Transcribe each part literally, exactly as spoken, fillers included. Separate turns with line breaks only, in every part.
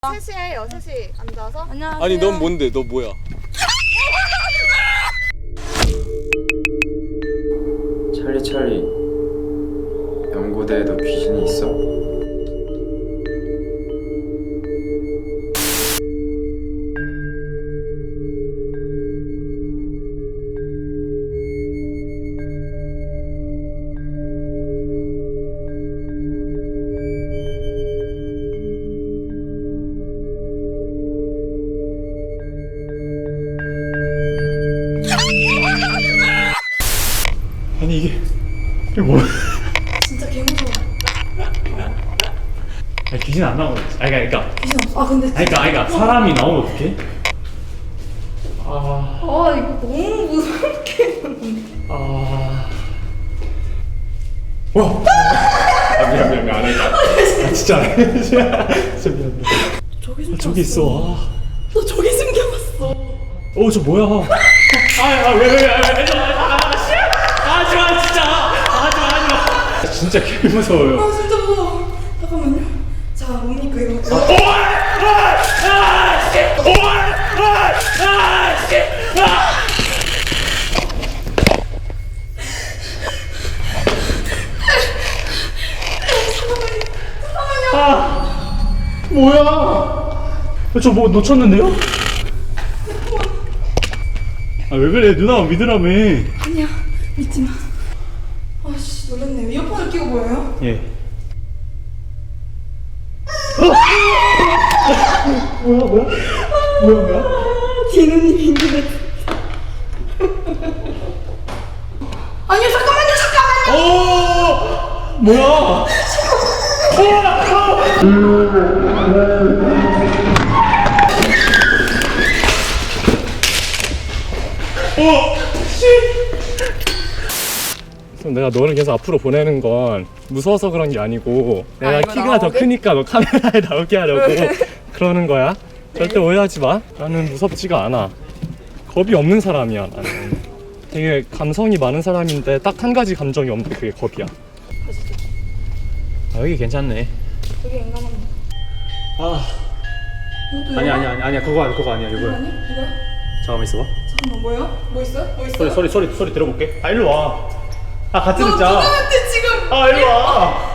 셋이 해요. 셋이 앉아서.
안녕하세요.
아니 넌 뭔데? 너 뭐야?
찰리 찰리, 연고대에도 귀신이 있어?
아니 이게 이게 뭐야?
진짜 개무서워.
아니 귀신 안 나오는 거지. 아니 그러니까
귀신 없어. 아 근데
아니 그러니까 아니 그러니까 사람이 나오면 어떡해? 아,
아 이거 너무 무섭게.
아, 와. 아 미안 미안 미안 안 할까? 아 진짜 안 해. 진짜 미안.
저기
아,
숨겨.
저기 있어. 아.
너 저기 숨겨봤어.
어 저 뭐야? 아아왜왜왜 하지마 진짜 하지마 하지마. 진짜 개 무서워요.
아 진짜 무서워. 잠깐만요. 자 뭡니까 이거?
어? 아, 뭐야? 저 뭐 놓쳤는데요? 아, 왜 그래? 누나 믿으라며.
아니야 믿지 마. 아씨 놀랐네요. 이어폰을 끼고 보여요?
예. 뭐야, 뭐야? 뭐야, 뭐야?
디누님인 것 같아. 아니요 잠깐만요 잠깐만요.
오! 뭐야? 어! 씨! 그럼 내가 너를 계속 앞으로 보내는 건 무서워서 그런 게 아니고 내가
아, 이거
키가 더
나오게?
크니까 너 카메라에 나오게 하려고 그러는 거야. 절대 오해하지 마. 나는 무섭지가 않아. 겁이 없는 사람이야 나는. 되게 감성이 많은 사람인데 딱 한 가지 감정이 없는데 그게 겁이야. 아 여기 괜찮네.
되게 인간한.
아
이것도
아니
영화?
아니 아니 아니야 그거 아니 그거 아니야
이거
이거야.
아니? 이거야?
잠깐만 있어봐.
잠깐만 뭐요? 뭐 있어요? 뭐 있어요?
소리 소리 소리 소리 들어볼게. 아 일로 와. 아 같이
너
듣자.
누나한테 지금.
아 일로 와.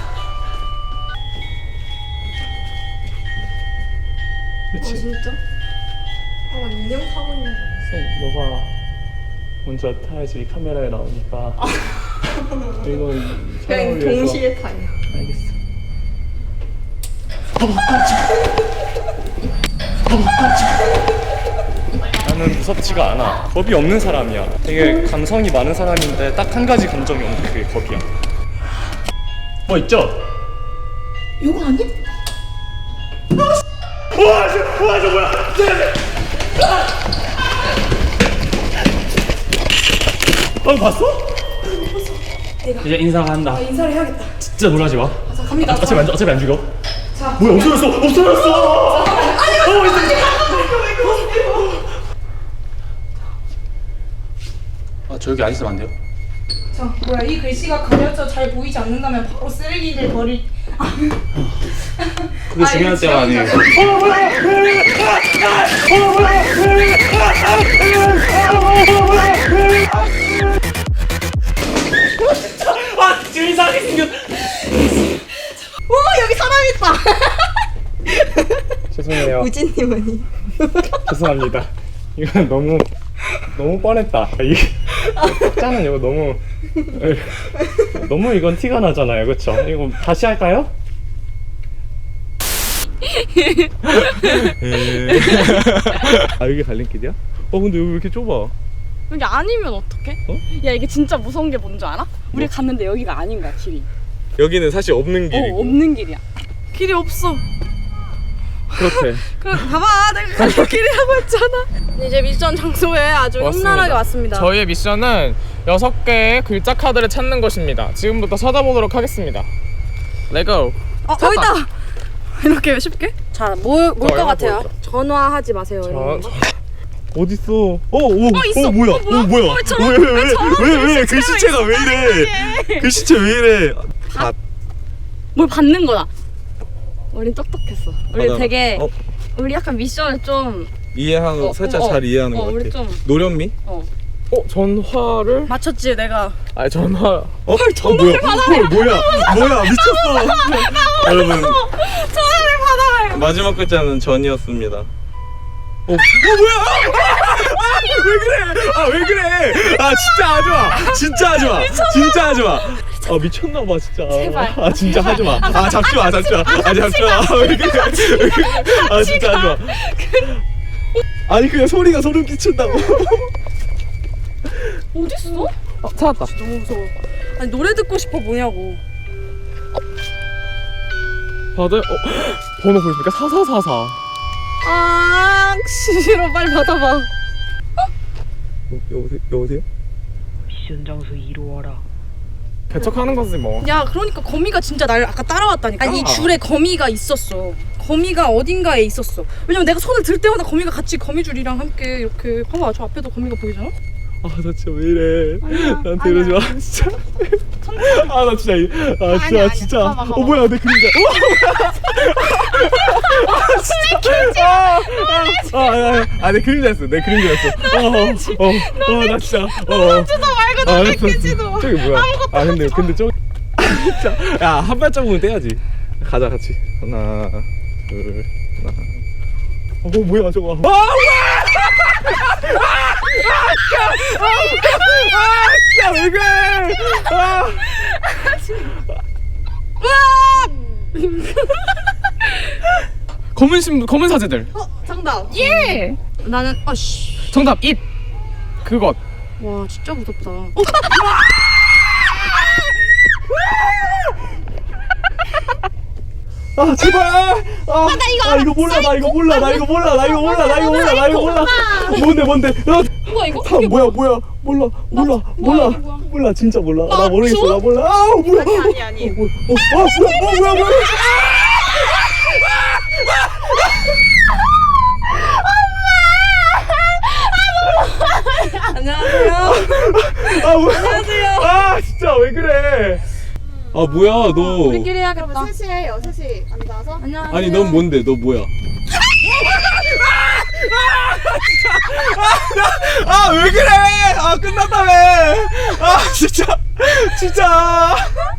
아 진짜? 아 인형 타고 있는 거.
너가 먼저 타야지 카메라에 나오니까. 이건 촬영을
그냥
위해서.
동시에 타요.
알겠어. 나는 무섭지가 않아. 겁이 없는 사람이야. 되게 감성이 많은 사람인데 딱 한 가지 감정이 없는데 그게 겁이야. 뭐 있죠?
이거 아니?
우와 저, 우와 저 뭐야? 어 봤어?
내가.
이제 인사한다.
아 인사를 해야겠다.
진짜 놀라지 마.
아, 자 갑니다.
어차피 안 어차피 안 죽여.
자.
뭐야 없어졌어 없어졌어.
아니
어 있어. 아 저 여기 안 있으면 안 돼요?
자 뭐야 이 글씨가 가려져 잘 보이지 않는다면 바로 쓰레기를 버릴.
그게
아,
중요한
이거
때가 아니에요. 아 지금 이상하게 생겼.
오 여기 사람 있다.
죄송해요.
우진님은이.
죄송합니다. 이건 너무 너무 뻔했다. 이게 짜는 이거 너무 너무 이건 티가 나잖아요, 그렇죠? 이거 다시 할까요? 아 여기 갈림길이야? 어 근데 여기 왜 이렇게 좁아?
여기 아니면 어떡해?
어?
야 이게 진짜 무서운 게 뭔지 알아? 우리 갔는데 여기가 아닌 거야 길이.
여기는 사실 없는
어
길이고.
없는 길이야. 길이 없어.
그렇대.
그럼 봐봐 내가 가는 길이라고 했잖아. 이제 미션 장소에 아주 험난하게 왔습니다.
저희의 미션은 여섯 개의 글자 카드를 찾는 것입니다. 지금부터 찾아보도록 하겠습니다. 레고.
어 여기다. 이렇게 쉽게? 자뭘뭘것
저요?
같아요?
뭐였죠?
전화하지 마세요.
저,
이런 거.
어딨어? 어, 오,
어, 있어.
어, 뭐야?
어, 뭐야?
어, 뭐야?
왜 저런-
왜, 왜, 왜,
왜 저런
왜, 왜,
글씨체가
글씨체가 왜 이래? 글씨체 왜 이래? 밭.
뭘 받는 거다. 우린 똑똑했어. 우리
맞아.
되게
어?
우리 약간 미션을 좀
이해하는
어,
살짝
어,
잘 이해하는
어,
것
우리
같아.
좀
노련미?
어.
어 전화를?
맞췄지 내가.
아니 전화.
어? 어 뭐야? 헐 뭐야? 뭐야 미쳤어. 여러분
전화를 받아라.
마지막 글자는 전이었습니다. 어, 어 뭐야? 아, 왜 그래? 아 왜 그래? 아 진짜 하지 마. 진짜 하지 마. 진짜 하지 마. 아 미쳤나 봐 진짜.
제발.
아 진짜 하지 마. 아 잡지 마, 잡지 마. 아 잡지 마. 아, 왜 그래? 왜 그래? 아 진짜 하지 마. 아니 그냥 소리가 소름 끼친다고.
어딨어?
어, 찾았다.
너무 무서워. 아니 노래 듣고 싶어 뭐냐고.
받을. 어 번호 보십니까? 사사사사.
아 싫어 빨리 받아봐.
여보세요? 여보세요?
미션 장소 이루어라.
개척하는 거지 뭐.
야 그러니까 거미가 진짜 날 아까 따라왔다니까. 아니 이 줄에 거미가 있었어. 거미가 어딘가에 있었어. 왜냐면 내가 손을 들 때마다 거미가 같이 거미줄이랑 함께 이렇게 봐봐 저 앞에도 거미가 보이잖아.
아 나 진짜 왜 이래?
아니야,
나한테 이러지
아니야.
마 진짜. 아 나 진짜 이- 아 진짜
아니야, 아니야.
진짜.
봐봐, 봐봐.
어 뭐야 내 그림자. 아내 그림자였어. 내 그림자였어. 어어어나 진짜. 어.
너 말고 너 맥키지도.
저기 뭐야? 아 근데 근데 저 진짜 야한 발자국은 떼야지. 가자 같이. 하나 둘 하나. 어 뭐야 저거. 아 뭐야! 아 진짜 왜 그래? 아.
검은 신 검은 사제들.
어 정답. 예. 나는 아씨.
정답 잇. 그것.
와 진짜 무섭다. 어?
아 제발. 아, 아, 나 이거, 아, 이거 몰라 나 이거 몰라 나 이거 몰라 나 이거 몰라 나 이거 몰라 나 이거 몰라. 뭔데 뭔데? 아,
뭐야 이거?
아, 뭐야 뭐야 몰라 몰라 몰라 몰라 진짜 몰라 나 모르겠어 나 몰라. 아 뭐야?
아니 아니.
어, 뭐, 어, 아 뭐야 어, 뭐야 뭐야?
안녕하세요.
아 뭐야? 안녕하세요. 아 진짜 왜 그래? 아 뭐야 너?
우리끼리 해야겠다.
그러면 셋이에요. 셋이 앉아서.
안녕하세요.
아니 넌 뭔데? 너 뭐야? 아 왜 그래? 아 끝났다며? 아 진짜 진짜.